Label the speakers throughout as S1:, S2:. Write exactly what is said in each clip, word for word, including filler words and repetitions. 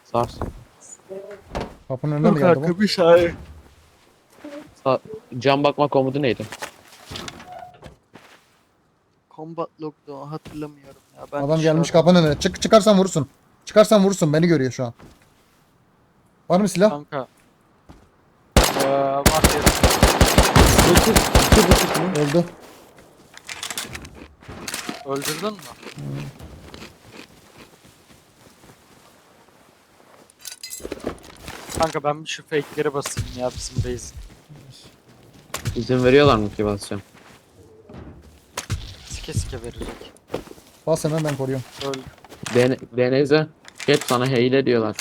S1: Sars.
S2: Kapının önüne mi geldi bu?
S3: bir şey.
S1: Sa Cam bakma komutu neydi?
S3: Combat log'du hatırlamıyorum ya. Ben
S2: Adam gelmiş
S3: dışarıda-
S2: kapının önüne. Çık çıkarsan vurursun. Çıkarsan vurursun. Beni görüyor şu an. Var mı silah?
S3: Kanka. Ee, var ya.
S1: İki, iki buçuk mu?
S2: Öldü.
S3: Öldürdün mü? Kanka ben bir şu fake'leri basayım ya bizim base.
S1: İzin veriyorlar mı ki basacağım?
S3: Sike sike verecek.
S2: Bas hemen ben koruyorum.
S3: Öldü.
S1: Den Deneze. Hep sana hile diyorlar.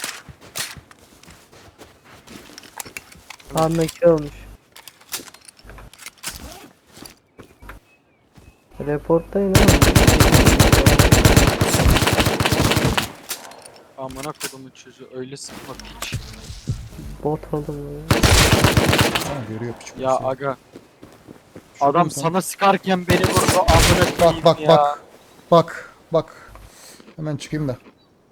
S4: Anlaki olmuş. Reporttayım ama.
S3: Amına kodumun çocuğu öyle sıkma piç.
S4: Bot oldum ya.
S2: Ha, görüyor küçük.
S3: Ya
S2: bir şey.
S3: aga.
S2: Şuradan
S3: Adam
S2: sen-
S3: sana sıkarken beni vurdu amına koyayım
S2: Bak bak
S3: ya.
S2: bak. Bak bak. Hemen çıkayım da.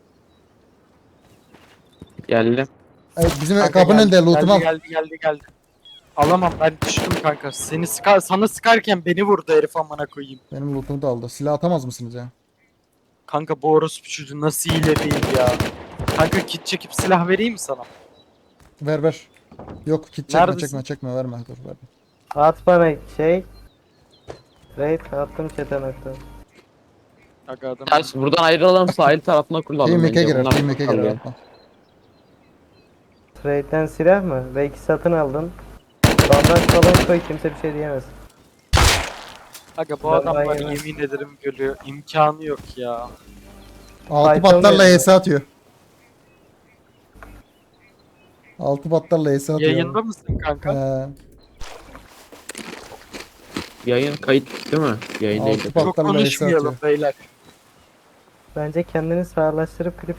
S1: Geldim.
S2: Evet, bizim
S3: Kanka
S2: kapının
S3: geldi,
S2: önünde lootumu al.
S3: geldi, geldi geldi geldi. Alamam ben düştüm kanka. Seni sıkar sana sıkarken beni vurdu herif amına koyayım.
S2: Benim lootumu da aldı. Silah atamaz mısınız ya?
S3: Kanka bu orospu çocuğu nasıl hile değil ya. Kanka kit çekip silah vereyim mi sana?
S2: Ver ver. Yok kit çekme
S3: Neredesin?
S2: çekme çekme verme dur verme.
S4: At bana şey. Raid attım chat'e nokta.
S3: Aga adam.
S1: Ters buradan ayrılalım sahil tarafına kurulalım.
S2: Team
S1: bence.
S2: Make'e girer.
S1: Bunlar
S2: Team Make'e girer.
S1: kalıyor.
S2: atma.
S4: Trade'den silah mı? Belki satın aldın. Bandaj falan koy kimse bir şey diyemez.
S3: Aga bu
S4: Ben
S3: adamlar
S4: yemem.
S3: yemin ederim gülüyor. İmkanı yok ya.
S2: Altı
S4: Python
S2: patlarla
S4: veriyor.
S2: E S atıyor. Altı patlarla E S atıyor.
S3: Yayında mısın kanka?
S2: Ee,
S1: Yayın kayıt değil mi? Yayındaydı.
S2: Altı
S3: Çok
S2: patlarla E S atıyor.
S3: konuşmayalım beyler.
S4: Bence kendini sağırlaştırıp klip